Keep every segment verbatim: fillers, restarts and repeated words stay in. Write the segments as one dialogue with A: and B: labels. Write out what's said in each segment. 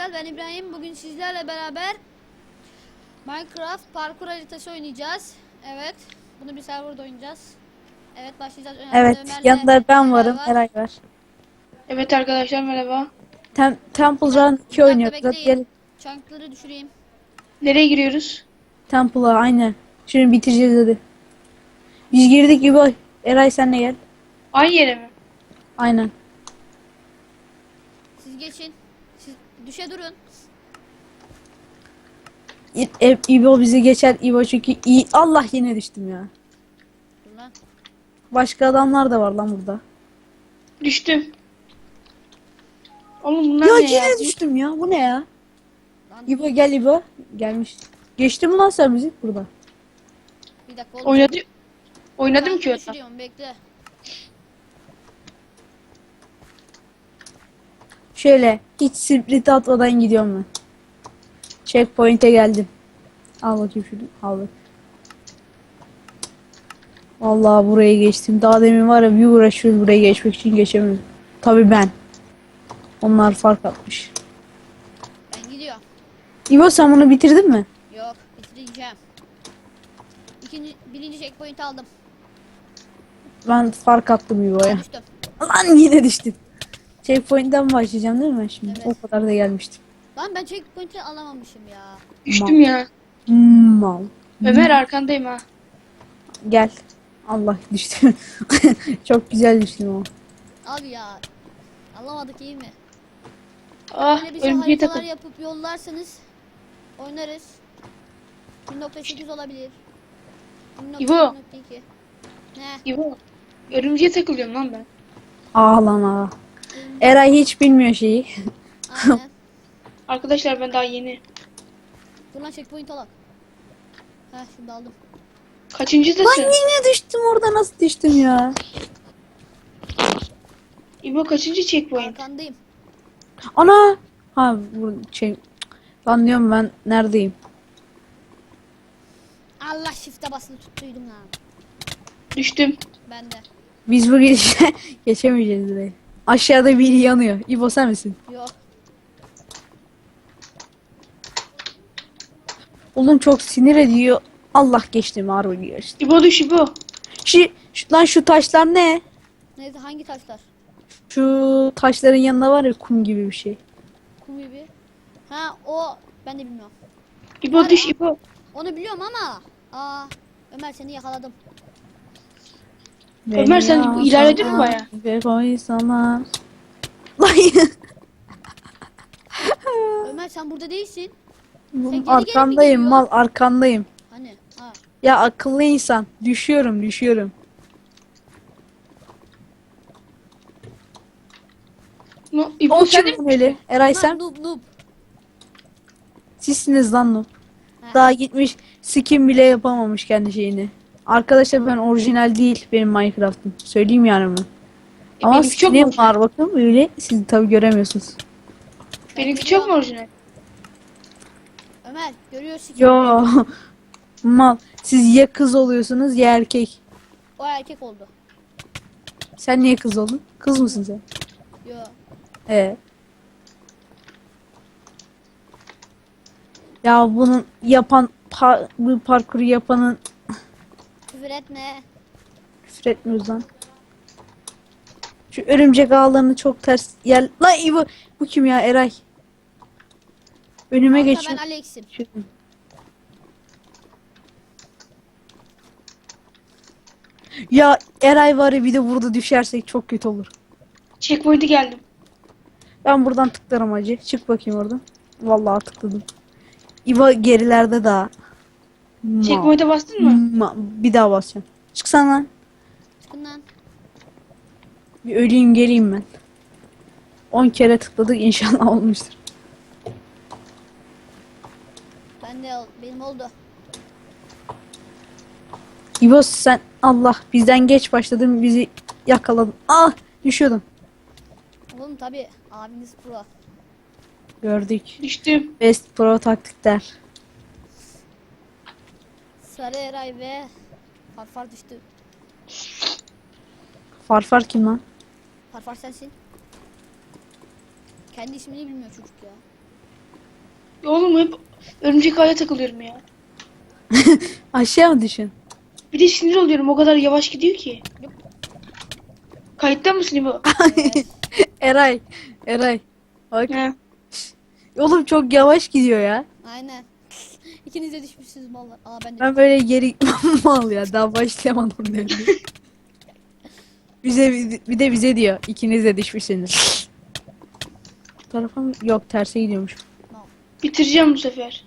A: arkadaşlar, ben İbrahim. Bugün sizlerle beraber Minecraft parkur haritası oynayacağız. Evet, bunu bir serverda oynayacağız. Evet, başlayacağız.
B: Evet,
A: Ömer'le
B: yanında ben
A: Eray
B: varım.
A: var.
B: Eray var.
C: Evet arkadaşlar merhaba.
B: Tem Temple
A: Bir, dak
B: Run
A: bir
B: iki
A: dakika
B: oynuyoruz. Hadi
A: bekleyin.
B: gelin.
A: Chunk'ları düşüreyim.
C: Nereye giriyoruz?
B: Temple'a aynen. Şimdi bitireceğiz hadi. Biz girdik gibi. Eray sen de gel.
C: Aynı yere mi?
B: Aynen.
A: Siz geçin. Siz düşe durun.
B: İ e İbo bizi geçer. İbo çünkü iyi. Allah yine düştüm ya.
A: Dur lan.
B: Başka adamlar da var lan burada.
C: Düştüm. Oğlum bunlar
B: Ya
C: ne
B: yine
C: ya?
B: düştüm ya. Bu ne ya?
A: Lan
B: İbo gel İbo. Gelmiş. Geçti mi lan sen bizi burada?
A: bir dakika oğlum.
C: Oynadı Oynadım
A: Chunk'ı
C: ki orada.
A: düşürüyorum, bekle.
B: Şöyle hiç split atmadan gidiyorum ben. Checkpoint'e geldim. Al bakayım şunu. Al bak. Vallahi burayı geçtim. Daha demin var ya bir uğraşıyoruz burayı geçmek için geçemiyorum. Tabii ben. Onlar fark atmış.
A: Ben gidiyorum.
B: İbo sen bunu bitirdin mi?
A: Yok, bitireceğim. İkinci, birinci checkpoint aldım.
B: Ben fark attım İbo'ya.
A: Ben düştüm.
B: Lan yine düştüm. Checkpoint'ten başlayacağım değil mi ben şimdi?
A: Evet.
B: O kadar da gelmiştim.
A: Lan ben checkpoint'i alamamışım ya.
C: Düştüm ya.
B: Hmm, mal.
C: Ömer arkandayım ha.
B: Gel. Allah düştüm. Çok güzel düştüm o.
A: Abi ya. Alamadık, iyi mi?
C: Ah
A: Böyle bir şey
C: örümceğe
A: haritalar
C: takıl.
A: yapıp yollarsanız oynarız. bir nokta sekiz olabilir.
C: İbo.
A: bir nokta iki. Ne?
C: İbo. Örümceğe takılıyorum lan ben.
B: Ah lan ah. Eray hiç bilmiyor şeyi.
A: Aynen.
C: Arkadaşlar ben daha yeni.
A: Dur lan, checkpoint alak. Heh, şimdi aldım.
B: Lan
C: Kaçıncıdasın?
B: yine düştüm orada, nasıl düştüm ya?
C: İbo kaçıncı checkpoint?
A: Arkandayım.
B: Ana! Ha bu şey. Lan diyorum ben neredeyim?
A: Allah, shift'e basılı tuttuydum lan.
C: Düştüm.
A: Ben de.
B: Biz bu geçe geçemeyeceğiz burayı. Aşağıda biri yanıyor. İbo sen misin?
A: Yok.
B: Oğlum çok sinir ediyor. Allah geçtim harbi geçtim.
C: İbo düş İbo.
B: Şu, şu lan şu taşlar ne?
A: Neyse, hangi taşlar?
B: Şu taşların yanında var ya kum gibi bir şey.
A: Kum gibi. Ha, o ben de bilmiyorum.
C: İbo düş İbo.
A: Onu biliyorum ama. Aa, Ömer, seni yakaladım.
C: Ömer, sen
B: Beni
C: ilerledin mi
B: alsana
C: baya?
B: ve koysana. Lan
A: Ömer, sen burada değilsin. Sen geri geri mi
B: arkandayım
A: gidiyor?
B: mal, arkandayım.
A: Hani? Ha.
B: Ya akıllı insan. Düşüyorum düşüyorum.
C: No, İbo
B: O
C: sen de
B: kim
C: mi?
B: öyle? Eray
A: Lan,
B: sen?
A: noob noob.
B: Sizsiniz lan o.
A: Ha.
B: Daha gitmiş skin bile yapamamış kendi şeyini. Arkadaşlar ben orijinal değil benim Minecraft'ım. Söyleyeyim yani bunu.
C: E,
B: Ama
C: benimki çok mu
B: skinim
C: orijinal?
B: var bakın böyle. Siz tabi göremiyorsunuz.
C: Benimki çok mu orijinal?
A: Ömer, görüyorsun ki
B: Yo. Mal. Siz ya kız oluyorsunuz ya erkek.
A: o erkek oldu.
B: Sen niye kız oldun? Kız mısın sen?
A: Yo.
B: Ee. Ya bunun yapan pa bu parkuru yapanın
A: Küfür etme.
B: küfür etmiyoruz lan. Şu örümcek ağlarını çok ters yer. Lan iyi bu. Bu kim ya Eray? Önüme
A: Kanka,
B: geçiyor.
A: ben Alex'im.
B: Ya Eray var ya bir de burada düşersek çok kötü olur.
C: Checkpoint'e geldim.
B: Ben buradan tıklarım hacı. Çık bakayım oradan. Vallahi tıkladım. İva gerilerde daha. Ma-
C: Checkpoint'e bastın mı?
B: ma- bir daha basacağım. Çıksana lan.
A: Çıkın lan.
B: Bir öleyim geleyim ben. on kere tıkladık inşallah olmuştur.
A: Ben de ol- benim oldu.
B: İbo sen Allah bizden geç başladın bizi yakaladın. Ah düşüyordum.
A: Oğlum tabi abiniz pro.
B: Gördük.
C: Düştüm.
B: Best pro taktikler.
A: Sarı Eray ve Farfar düştü.
B: Farfar kim lan?
A: Farfar sensin. Kendi ismini bilmiyor çocuk ya.
C: Oğlum hep örümcek ağya takılıyorum ya.
B: Aşağı mı düşün?
C: Bir de sinir oluyorum, o kadar yavaş gidiyor ki. Kayıtta mısın İbo?
A: Evet.
B: Eray. Eray. Bak.
C: He.
B: Oğlum çok yavaş gidiyor ya.
A: Aynen. İkiniz de düşmüşsünüz mallar. Aa ben de.
B: Ben böyle geri mal ya. Daha başlayamadım diyor. Bize bir de bize diyor. İkiniz de düşmüşsünüz. Bu tarafa mı? Yok, terse gidiyormuş.
C: Bitireceğim bu sefer.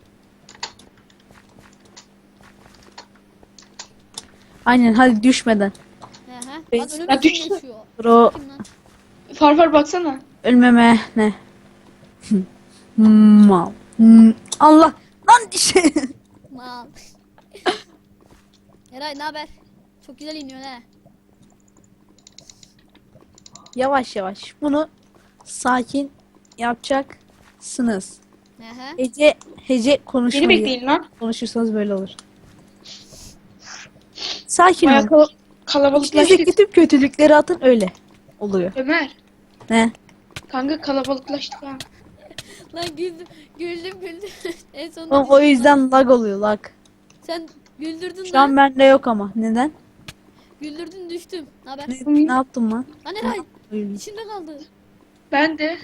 B: Aynen, hadi düşmeden.
A: Hı hı. Lan
B: Biz-
A: önüme
C: Ya
A: kim
C: düştü.
A: geçiyor?
B: Bro,
A: Kim lan?
C: Farfar baksana.
B: ölmeme ne? Mal. Hmm, Allah. Lan şey.
A: Mal. Eray ne haber? Çok güzel iniyorsun he.
B: Yavaş yavaş. Bunu sakin yapacaksınız.
A: Hı hı.
B: Hece hece
C: Beni
B: konuşmayı.
C: bekleyin lan.
B: Konuşursanız böyle olur. Sakin
C: Baya
B: olun.
C: kal kalabalıklaştık.
B: İçinizdeki tüm kötülükleri atın, öyle oluyor.
C: Ömer.
B: Ne?
C: Kanka kalabalıklaştık ha.
A: Lan güldüm. Güldüm güldüm. En sonunda
B: O, o
A: düştüm lan.
B: yüzden lag oluyor, lag.
A: Sen güldürdün
B: Şu an
A: lan.
B: bende yok ama. Neden?
A: Güldürdün düştüm. Ne haber?
B: Ne, ne yaptım lan?
A: Lan Eray.
B: Öyle.
A: İçimde kaldı.
C: Ben de.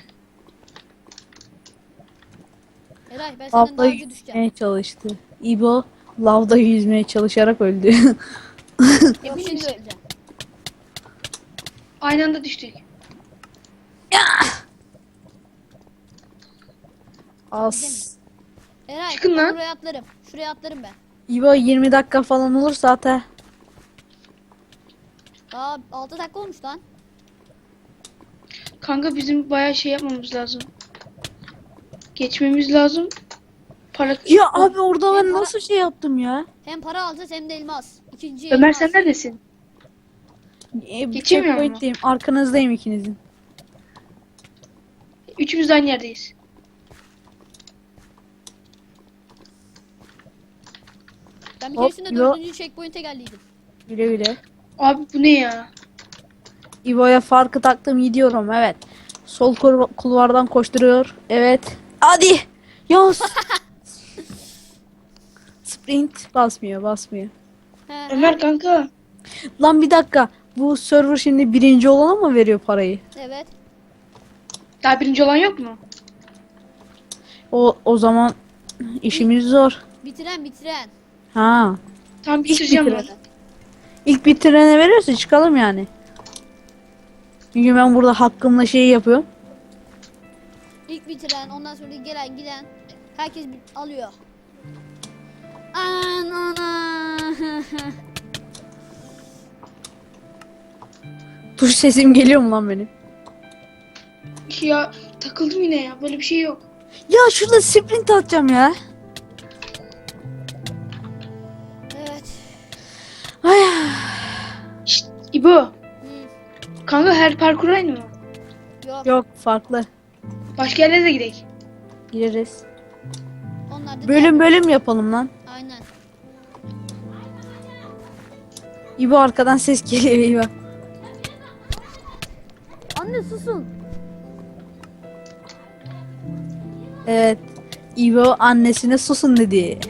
A: Eray ben senden
B: Lavda
A: daha önce düşeceğim.
B: yüzmeye çalıştı. İbo lavda yüzmeye çalışarak öldü.
A: Yok şimdi öleceğim.
C: Aynı anda düştük.
B: As.
A: Eray
C: Çıkın
A: ben
C: lan.
A: buraya atlarım. Şuraya atlarım ben.
B: İbo yirmi dakika falan olursa ata.
A: Daha altı dakika olmuş lan.
C: Kanka bizim bayağı şey yapmamız lazım. Geçmemiz lazım. Para...
B: Ya abi orada ben
A: Ben para-
B: nasıl şey yaptım ya?
A: Hem para alacağız hem de elmas. İkinci
C: Ömer
A: elmas.
C: sen neredesin?
B: E,
C: Geçemiyor mu?
B: checkpoint'teyim. Arkanızdayım ikinizin.
C: Üçümüz de aynı yerdeyiz.
A: Ben bir
B: Hop,
A: keresinde
B: yo.
A: dördüncü checkpoint'e geldiydim.
B: Güle güle.
C: Abi bu ne ya?
B: İbo'ya farkı taktım, gidiyorum, evet. Sol kul- kulvardan koşturuyor. Evet. Hadi. Yos. Sprint basmıyor, basmıyor.
A: He, he.
C: Ömer kanka.
B: Lan bir dakika. Bu server şimdi birinci olana mı veriyor parayı?
A: Evet.
C: Daha birinci olan yok mu?
B: O o zaman işimiz zor.
A: Bitiren bitiren.
B: Ha.
C: Tam
B: İlk
C: bitireceğim ben.
B: bitirene. İlk bitirene veriyorsa çıkalım yani. Çünkü ben burada hakkımla şey yapıyorum.
A: İlk bitiren ondan sonra gelen giden. Herkes bir- alıyor. Anana.
B: Tuş sesim geliyor mu lan benim?
C: Ya takıldım yine ya. Böyle bir şey yok.
B: Ya şurada sprint atacağım ya.
A: Evet.
B: Ay.
C: Şşt İbo.
A: Hı,
C: Kanka her parkur aynı mı?
A: yok.
B: Yok, farklı.
C: Başka yerlere de gidelim.
B: Gireriz.
A: Onlar da
B: Bölüm bölüm yapalım lan.
A: aynen.
B: İbo arkadan ses geliyor, İbo.
A: Anne susun.
B: Evet. İbo annesine susun dedi.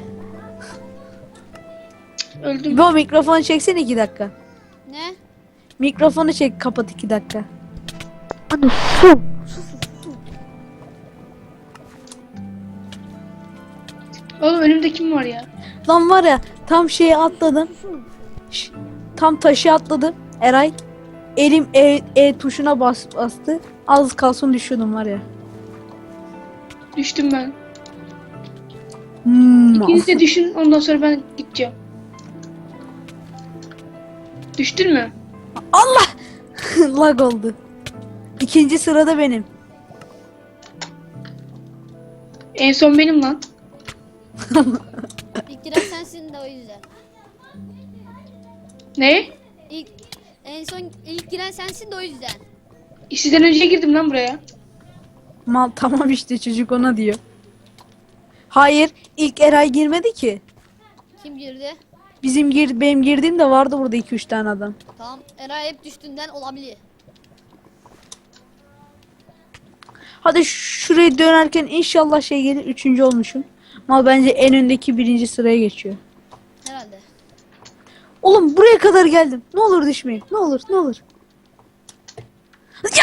C: Öldüm.
B: İbo mikrofonu çeksene iki dakika.
A: Ne?
B: Mikrofonu çek, kapat iki dakika. Anne su.
C: Oğlum önümde kim var ya?
B: Lan var ya, tam şeye atladım. Şş, tam taşı atladım. Eray. Elim E, E tuşuna bas, bastı. Az kalsın düşüyordum var ya.
C: Düştüm ben.
B: Hmm.
C: İkiniz de düşün, ondan sonra ben gideceğim. Düştün mü?
B: Lag oldu. İkinci sırada benim.
C: En son benim lan.
A: İlk giren sensin de o yüzden.
C: Ne?
A: İlk en son ilk giren sensin de o yüzden.
C: Sizden önce girdim lan buraya.
B: Mal tamam işte, çocuk ona diyor. Hayır, ilk Eray girmedi ki.
A: Kim girdi?
B: Bizim gir benim girdiğimde vardı burada iki üç tane adam.
A: Tamam. Eray hep düştüğünden olabilir.
B: Hadi şuraya dönerken inşallah şey gelir. Üçüncü olmuşum. Mal bence en öndeki birinci sıraya geçiyor.
A: Herhalde.
B: Oğlum buraya kadar geldim. Ne olur düşmeyin. Ne olur ne olur. Ya!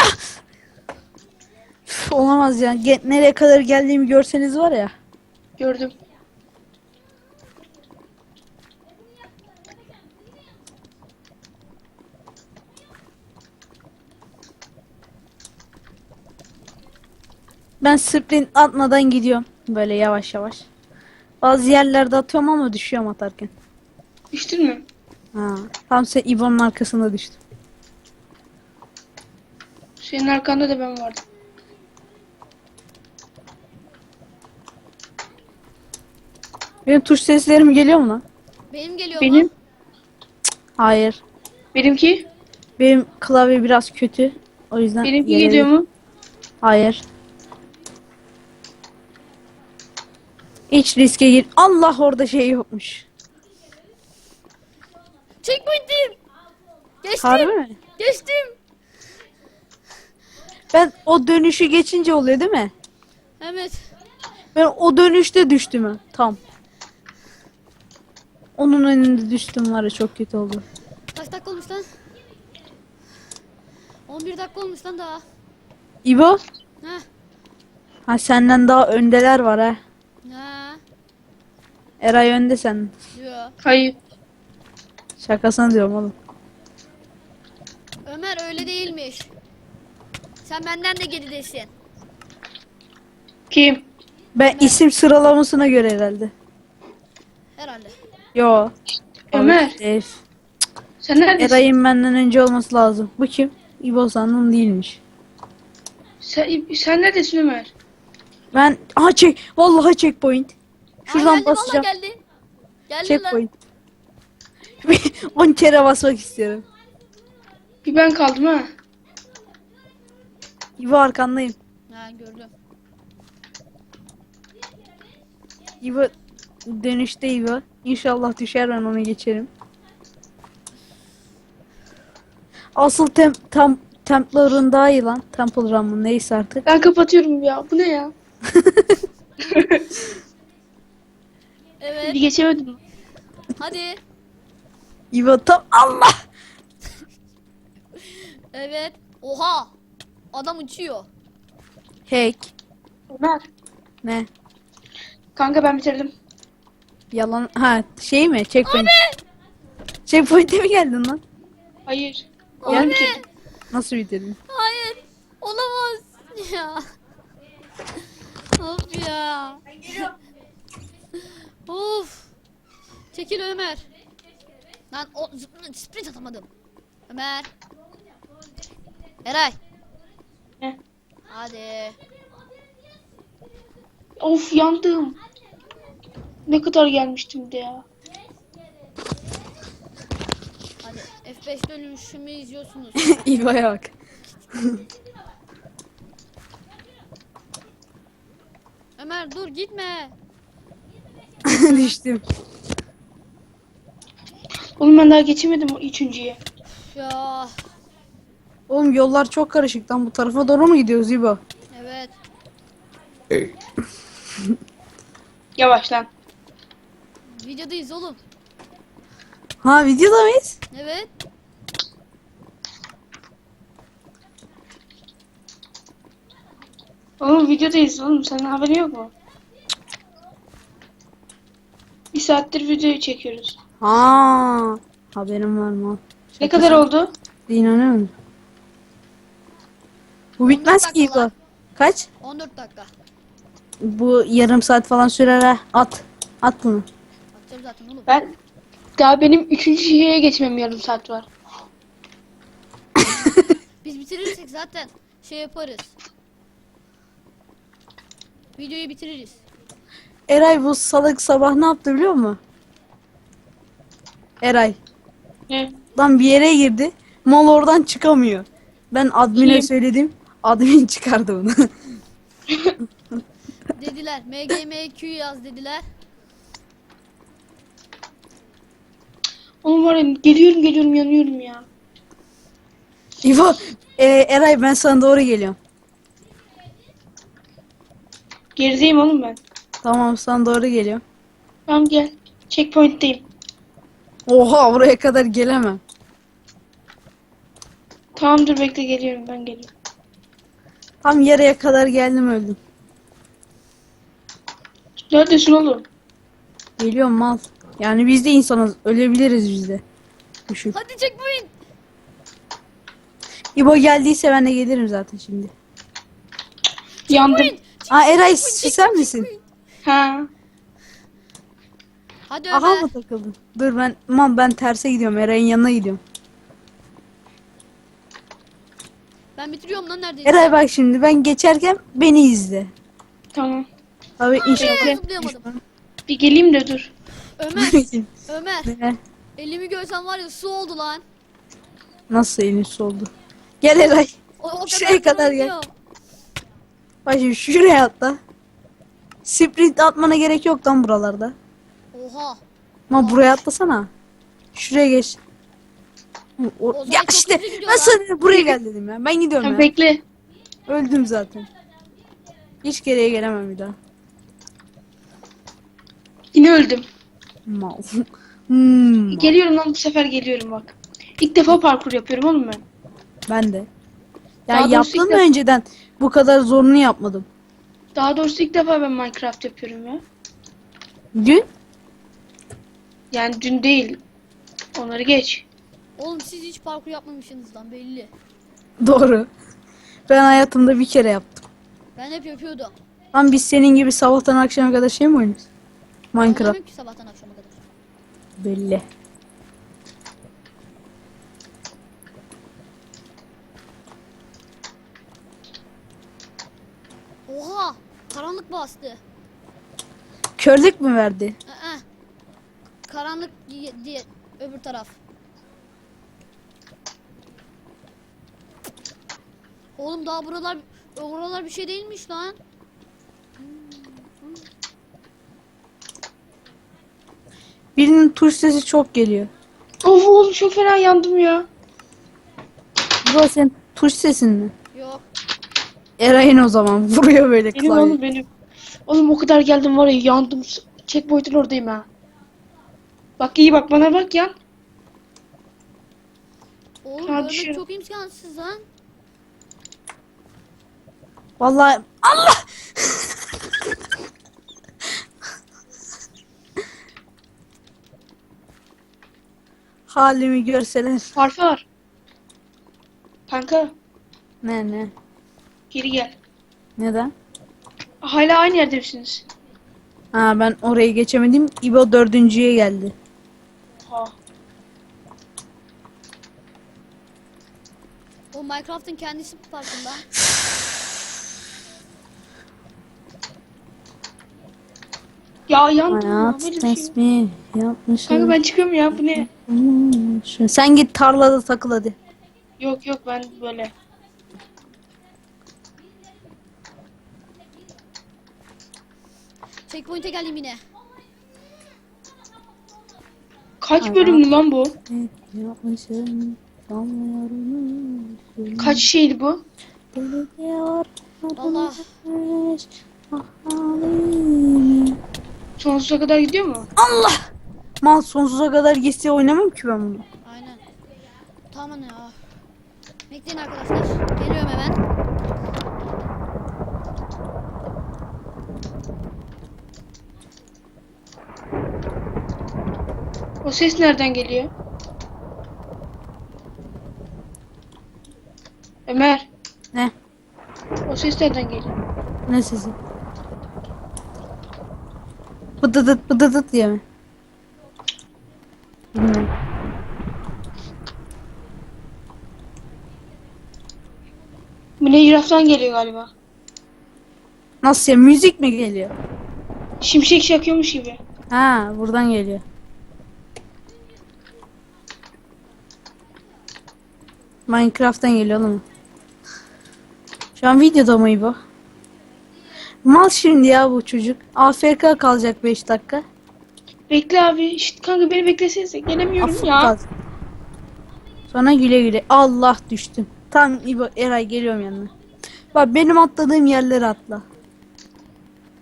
B: Üf, olamaz ya. Ge- nereye kadar geldiğimi görseniz var ya.
C: Gördüm.
B: Ben sprint atmadan gidiyorum. Böyle yavaş yavaş. Bazı yerlerde atıyorum ama düşüyorum atarken.
C: Düştün mü?
B: Ha, tam sen İbo'nun arkasında düştüm.
C: Senin arkanda da ben vardım.
B: Benim tuş seslerim geliyor mu lan?
A: Benim geliyor
C: Benim.
A: mu?
B: Hayır.
C: Benimki.
B: Benim klavye biraz kötü. O yüzden
C: Benimki
B: gelebilir.
C: geliyor mu?
B: Hayır. Hiç riske gir. Allah orada şey yokmuş.
A: Checkpoint'im. Geçtim.
B: Harbi mi?
A: Geçtim.
B: Ben o dönüşü geçince oluyor değil mi?
A: Evet.
B: Ben o dönüşte düştüm ha. Tam. Onun önünde düştüm var ya, çok kötü oldu.
A: Kaç dakika olmuş lan? on bir dakika olmuş lan daha.
B: İbo?
A: Heh.
B: Ha, senden daha öndeler var ha.
A: Ha.
B: Eray önde sen.
A: Yo.
C: Hayır.
B: Şakasına diyorum oğlum.
A: Ömer öyle değilmiş. Sen benden de geridesin.
C: Kim?
B: Ben isim sıralamasına göre herhalde.
A: Herhalde.
B: Yo.
C: Ömer.
B: Ev.
C: Sen neredesin?
B: Eray'ın benden önce olması lazım. Bu kim? İbo sandım değilmiş.
C: Sen, sen neredesin Ömer?
B: Ben aha çek. Vallahi checkpoint. Şuradan
A: Aa, geldi,
B: basacağım.
A: vallahi geldi. Geldi lan.
B: Checkpoint. on kere basmak istiyorum.
C: Bir ben kaldım ha.
B: İbo arkandayım.
A: Ha gördüm.
B: İbo dönüşte İbo. İnşallah düşer, ben onu geçerim. Asıl tem tam Temple Run daha iyi lan. Temple Run mı neyse artık.
C: Ben kapatıyorum ya. Bu ne ya?
A: Evet.
C: Bir geçemedim.
A: Hadi.
B: İbo tam Allah.
A: Evet. Oha. Adam uçuyor.
B: Hack.
C: Ömer.
B: Ne?
C: Kanka ben bitirdim.
B: Yalan. Ha şey mi? Checkpoint. Checkpoint'e mi geldin lan?
C: Hayır.
A: Abi.
C: Oyunu bitirdim.
B: Nasıl bitirdin?
A: Hayır. Olamaz. Ya. Of ya. Of. Çekil Ömer. Lan o zıpl- sprint atamadım. Ömer. Eray.
C: Ne?
A: Hadi.
C: Of yandım. Ne kadar gelmiştim de ya.
A: Hadi. F beş dönüşümü izliyorsunuz.
B: İbo'ya bak.
A: Ömer dur gitme.
B: Düştüm.
C: Oğlum ben daha geçemedim o üçüncüye.
A: Ya.
B: Oğlum yollar çok karışık lan, bu tarafa doğru mu gidiyoruz İbo?
A: Evet.
C: Yavaş lan.
A: Videodayız oğlum.
B: Ha, videoda mıyız?
A: Evet.
C: Oğlum videodayız oğlum. Senin haberin yok mu? Bir saattir videoyu çekiyoruz.
B: Ha, haberim var mı?
C: Ne kadar oldu?
B: İnanıyorum. Bu bitmez ki
A: dakika
B: İbo.
A: lan.
B: Kaç?
A: on dört dakika.
B: Bu yarım saat falan sürer ha. At. At bunu.
A: Atacağım zaten oğlum.
C: Ben daha benim üçüncü şeye geçmem yarım saat var.
A: Biz bitirirsek zaten şey yaparız. Videoyu bitiririz.
B: Eray bu salak sabah ne yaptı biliyor musun? Eray.
C: Ne?
B: Lan bir yere girdi. Mal oradan çıkamıyor. Ben admine
C: Kim?
B: söyledim. Admin çıkardı onu.
A: Dediler M G M Q yaz dediler.
C: Oğlum var ya geliyorum geliyorum yanıyorum ya.
B: İbo, e, Eray ben sana doğru geliyorum.
C: Gerideyim oğlum ben.
B: Tamam sana doğru geliyorum.
C: Tamam gel. Checkpoint'teyim.
B: Oha buraya kadar gelemem.
C: Tamam dur bekle geliyorum ben geliyorum.
B: Tam yarıya kadar geldim öldüm.
C: Neredesin oğlum?
B: Geliyorum mal. Yani biz de insanız. Ölebiliriz biz de. Düşün.
A: Hadi checkpoint.
B: İbo geldiyse ben de gelirim zaten şimdi.
C: Yandım.
B: Aa Eray sen misin?
C: Ha.
A: Hadi
B: Aha
A: Ömer.
B: mı takıldın? Dur ben man ben terse gidiyorum. Eray'ın yanına gidiyorum.
A: Ben bitiriyorum lan neredeyse.
B: Eray bak şimdi ben geçerken beni izle.
C: Tamam.
B: Abi inşallah.
A: Ee, zıplayamadım.
C: Bir geleyim de dur.
A: Ömer. Ömer.
B: Ne?
A: Elimi görsen var ya su oldu lan.
B: Nasıl elin su oldu? Gel Eray.
A: O, o
B: Şuraya kadar
A: zaman
B: gel.
A: gidiyor.
B: Bak şimdi şuraya atla. Sprint atmana gerek yok lan buralarda.
A: Oha.
B: Ama buraya atlasana. Şuraya geç. O-
A: O zaman
B: ya
A: çok
B: işte
A: hızlı gidiyor
B: ben
A: lan.
B: sana buraya gel dedim ya. Ben gidiyorum
C: Tamam
B: ya.
C: bekle.
B: Öldüm zaten. Hiç geriye gelemem bir daha.
C: Yine öldüm.
B: Mal. Hmm,
C: Geliyorum lan bu sefer geliyorum bak. İlk defa parkur yapıyorum oğlum ben.
B: ben de.
C: Daha
B: Ya
C: doğrusu
B: yaptım
C: ilk
B: da
C: defa-
B: önceden bu kadar zorunu yapmadım.
C: Daha doğrusu ilk defa ben Minecraft yapıyorum ya.
B: Dün
C: Yani dün değil. Onları geç.
A: Oğlum siz hiç parkur yapmamışsınız lan belli.
B: doğru. Ben hayatımda bir kere yaptım.
A: Ben hep yapıyordum.
B: Lan biz senin gibi sabahtan akşama kadar şey mi oynuyoruz? Minecraft.
A: Anlamıyorum ki sabahtan akşama kadar.
B: Belli.
A: Oha. Karanlık bastı.
B: Körlük mü verdi?
A: Ee, karanlık diye, diye öbür taraf. Oğlum daha buralar buralar bir şey değilmiş lan.
B: Birinin tuş sesi çok geliyor.
C: Of oğlum çok fena yandım ya.
B: Bu senin tuş sesin mi?
A: Yok.
B: Eray'ın o zaman vuruyor böyle
C: Benim
B: klavye.
C: oğlum benim. Oğlum o kadar geldim var ya yandım. Checkpoint'in oradayım ha. Bak iyi bak bana bak ya.
A: Oğlum
C: Ha,
A: görmek
C: düşüyorum.
A: çok imkansız lan.
B: Vallahi Allah! Halimi görseler.
C: Farfar. Kanka
B: Ne ne?
C: geri gel.
B: Neden?
C: Hala aynı yerde misiniz?
B: Ha ben orayı geçemedim. İbo dördüncüye geldi.
C: Ha.
A: O Minecraft'ın kendisi farkında.
C: Ya yandım ya.
B: Hayat
C: Böyle bir şey yok.
B: tesbih yapmışım.
C: Kanka ben çıkıyorum ya bu ne?
B: Sen git tarlada takıl hadi.
C: Yok yok ben böyle.
A: Checkpoint'e geldim yine.
C: Kaç bölümlü lan bu?
B: Yapmışım. Damlıyorum.
C: Kaç şeydi bu?
A: Allah.
C: Sonsuza kadar gidiyor mu?
B: Allah! Mal sonsuza kadar geçse oynamam ki ben bunu.
A: Aynen. Tamam ya. Bekleyin arkadaşlar. Geliyorum hemen.
C: O ses nereden geliyor? Ömer.
B: Ne?
C: O ses nereden geliyor?
B: Ne sesi? Bıdıdıt bıdıdıt diye mi? Bilmiyorum.
C: Minecraft'tan geliyor galiba.
B: Nasıl ya? Müzik mi geliyor?
C: Şimşek çakıyormuş gibi.
B: Ha buradan geliyor. Minecraft'tan geliyor oğlum. Şu an videoda mı bu? Mal şimdi ya bu çocuk. A F K kalacak beş dakika.
C: Bekle abi. İşte kanka beni beklesenize. Gelemiyorum
B: Afık
C: ya.
B: kalacak. Sonra güle güle. Allah düştüm. Tam İbo Eray geliyorum yanına. Bak benim atladığım yerlere atla.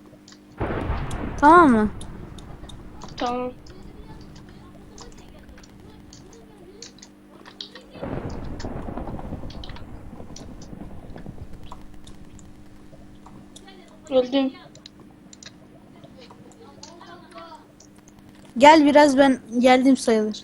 B: Tamam mı?
C: Tamam. Öldüm.
B: Gel biraz, ben geldim sayılır.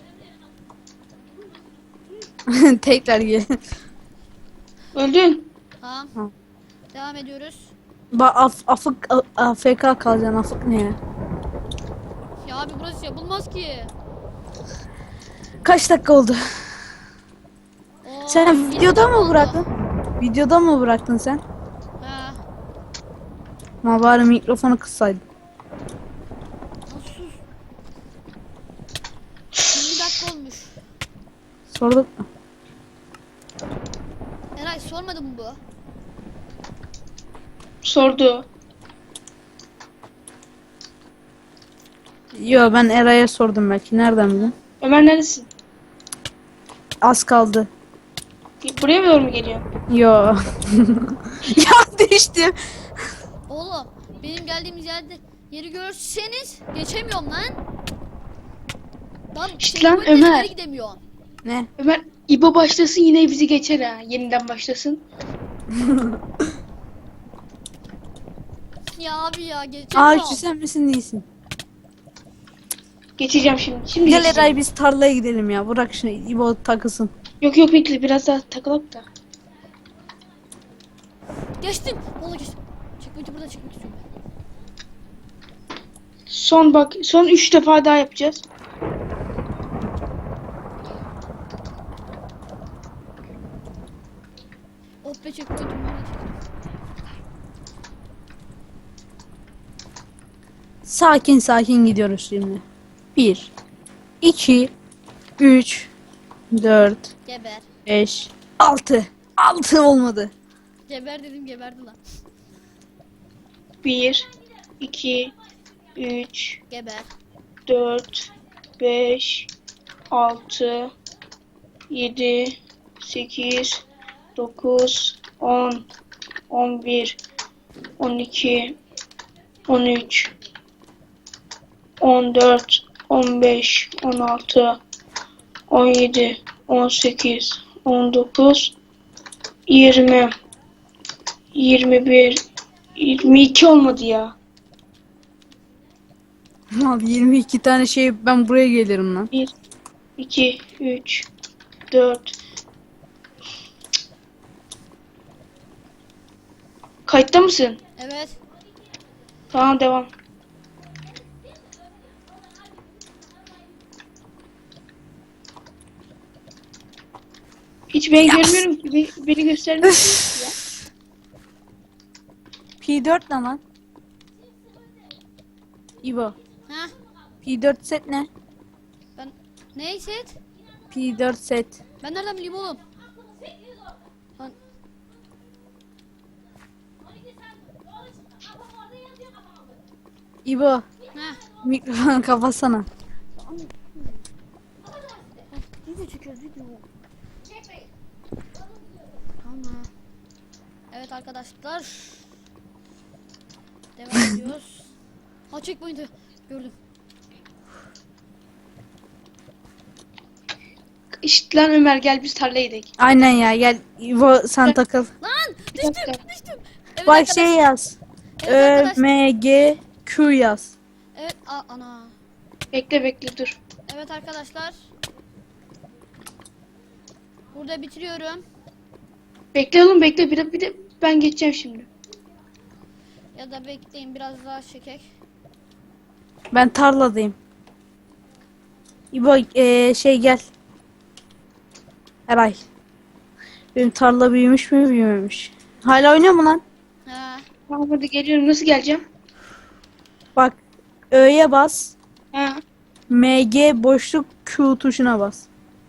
B: Tekrar gel.
C: Öldün.
A: Tamam.
B: Ha.
A: Devam ediyoruz.
B: Ba af afık a- A F K kalacaksın, afık ne ya?
A: Ya abi burası yapılmaz ki.
B: Kaç dakika oldu?
A: Oo,
B: Sen
A: yirmi
B: videoda
A: dakika
B: mı
A: oldu.
B: bıraktın? Videoda mı bıraktın sen?
A: Ha.
B: Ma bari mikrofonu kıssaydın.
A: Sus. yirmi dakika olmuş.
B: Sorduk mu?
A: Eray sormadı mı bu?
C: Sordu.
B: Yo, ben Eray'a sordum belki. Nereden bildin?
C: Ömer neredesin?
B: Az kaldı.
C: Buraya mı doğru mu geliyor?
B: Yo. Ya düştüm.
A: Oğlum benim geldiğimiz yerde yeri görseniz geçemiyorum lan. Lan
C: Şşt lan,
A: checkpoint'ten
C: Ömer.
A: ileri gidemiyorum.
B: Ne?
C: Ömer İbo başlasın yine bizi geçer ha. Yeniden başlasın.
A: Ya abi ya
B: Aa,
A: geçemiyorum.
B: şu sen misin değilsin?
C: Geçeceğim şimdi. Şimdi
B: Gel
C: geçeceğim.
B: Eray, biz tarlaya gidelim ya. Bırak şunu, İbo takılsın.
C: Yok yok bekle biraz daha takılıp da.
A: Geçtim. Vallahi geçtim. Checkpoint'i burada çekmek istiyorum ben.
C: Son bak son üç defa daha yapacağız.
A: Oh be checkpoint'imi burada çektim.
B: Sakin sakin gidiyoruz şimdi. Bir, iki, üç, dört,
A: Geber.
B: beş, altı. Altı olmadı.
A: Geber dedim geberdi lan.
C: Bir, iki, üç,
A: Geber.
C: dört, beş, altı, yedi, sekiz, dokuz, on, on bir, on iki, on üç, on dört, on beş, on altı, on yedi, on sekiz, on dokuz, yirmi, yirmi bir, yirmi iki olmadı ya.
B: Abi yirmi iki tane şey, ben buraya gelirim lan.
C: bir, iki, üç, dört. Kayıtta mısın?
A: Evet.
C: Tamam devam. Hiç ben
B: Yes.
C: görmüyorum ki. Beni, beni göstermiyorsun ki ya.
B: P dört ne lan? İbo.
A: Ha?
B: P dört set ne?
A: Ben neyse.
B: P dört set.
A: Ben nereden bileyim oğlum? Lan
B: İbo.
A: ha.
B: Mikrofonu kapatsana.
A: Video çekiyoruz video. Tamam. Evet arkadaşlar. Devam ediyoruz. Ha checkpoint'i gördüm.
C: İşte lan Ömer gel biz tarlaya gidelim.
B: Aynen ya, gel İbo, sen takıl.
A: Lan
C: Bir
A: düştüm
C: dakika.
A: düştüm. Evet
B: Bak
A: arkadaş-
B: şey yaz.
A: Evet
B: Ö
A: arkadaş.
B: M G Q yaz.
A: Evet a- ana.
C: Bekle bekle dur.
A: Evet arkadaşlar. Burada bitiriyorum.
C: Bekle oğlum bekle bir de, bir de ben geçeceğim şimdi.
A: Ya da bekleyin biraz daha çekek.
B: Ben tarladayım. İbo eee, şey gel. Eray. Benim tarla büyümüş mü, büyümemiş? Hala oynuyor mu lan?
A: Ha.
C: Tamam hadi geliyorum nasıl geleceğim?
B: Bak, Ö'ye bas.
C: Ha.
B: M G boşluk Q tuşuna bas.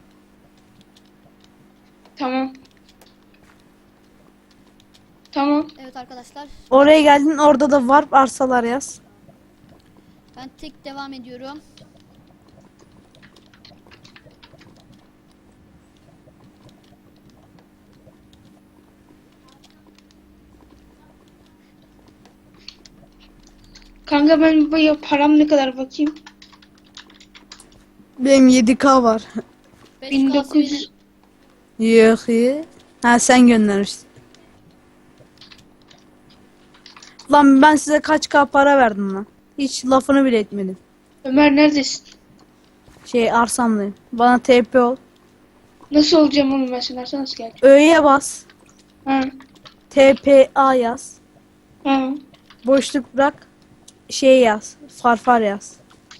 C: Tamam. Tamam.
A: Evet arkadaşlar.
B: Oraya geldin, orada da warp arsalar yaz.
A: Ben tek devam ediyorum.
C: Kanka ben bu param ne kadar bakayım.
B: Benim yedi K var.
A: beş
C: bin
A: K
C: dokuz yüz.
B: Yok iyi. Ha sen göndermiştin. Lan ben size kaç K para verdim lan. Hiç lafını bile etmedim.
C: Ömer neredesin?
B: Şey arsamdayım. Bana T P ol.
C: Nasıl olacağım oğlum ben sen Arslan nasıl geleceğim?
B: Ö'ye bas.
C: Ha.
B: T P A yaz.
C: Ha.
B: Boşluk bırak. Şey yaz. Farfar yaz.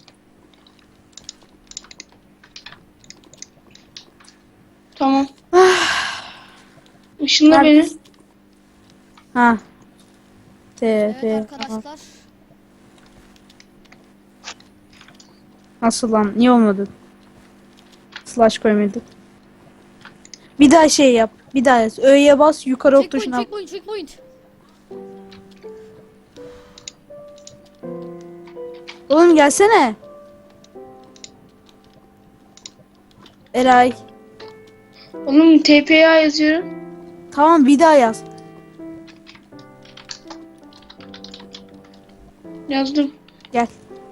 C: Tamam. Işınla beni.
B: Neredesin? Ha. T
A: Evet
B: P A.
A: arkadaşlar.
B: Nasıl lan? Niye olmadı? Slash koymadık. Bir daha şey yap. Bir daha yaz. Ö'ye bas. Yukarı ok
A: Checkpoint,
B: tuşuna.
A: checkpoint, checkpoint.
B: Oğlum gelsene. Eray.
C: Oğlum T P A yazıyorum.
B: Tamam bir daha yaz.
C: Yazdım.
B: Gel.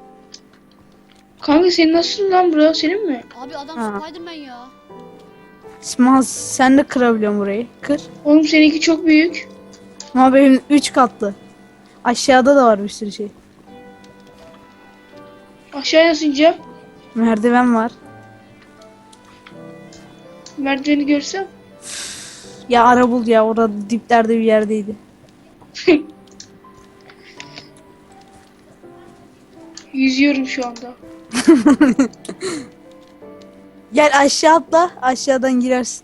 C: Kanka senin nasıl lan bura senin mi?
A: Abi adam
B: Ha.
A: Spiderman ya.
B: Smaz sen de kırabiliyorsun burayı. Kır.
C: Oğlum seninki çok büyük.
B: Ama benim üç katlı. Aşağıda da var bir sürü şey.
C: Aşağıya nasıl ineceğim?
B: Merdiven var.
C: Merdiveni görsem.
B: Ya ara bul ya. Orada diplerde bir yerdeydi.
C: Yüzüyorum şu anda.
B: Gel aşağı atla. Aşağıdan girersin.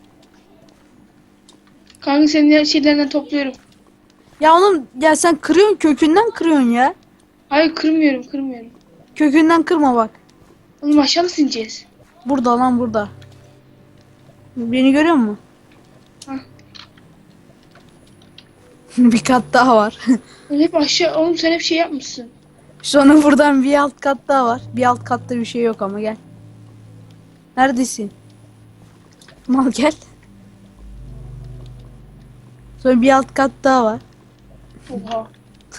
C: Kanka senin şeylerinden topluyorum.
B: Ya oğlum ya sen kırıyorsun kökünden kırıyorsun ya.
C: Hayır kırmıyorum kırmıyorum.
B: Kökünden kırma bak.
C: Oğlum aşağı nasıl ineceğiz?
B: Burada lan burada. Beni görüyor musun?
C: Hah.
B: Bir kat daha var.
C: Oğlum hep aşağı. Oğlum sen hep şey yapmışsın.
B: Sonra buradan bir alt kat daha var. Bir alt katta bir şey yok ama gel. Neredesin? Mal gel. Sonra bir alt kat daha var.
C: Oha.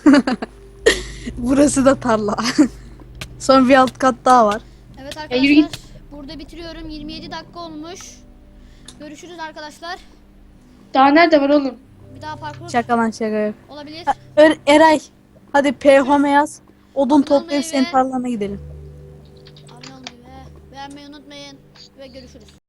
B: Burası da tarla. Sonra bir alt kat daha var.
A: Evet
C: Ya yürü
A: arkadaşlar. Burada bitiriyorum. yirmi yedi dakika olmuş. Görüşürüz arkadaşlar.
C: Daha nerede var oğlum?
A: Bir daha parkur
B: Şaka lan şaka yok.
A: olabilir.
B: Ha, Er- Eray. Hadi P home yaz. Odun
A: Abone
B: toplayıp
A: olmayı
B: senin
A: ve-
B: tarlana gidelim.
A: Abone olmayı ve beğenmeyi unutmayın. Ve görüşürüz.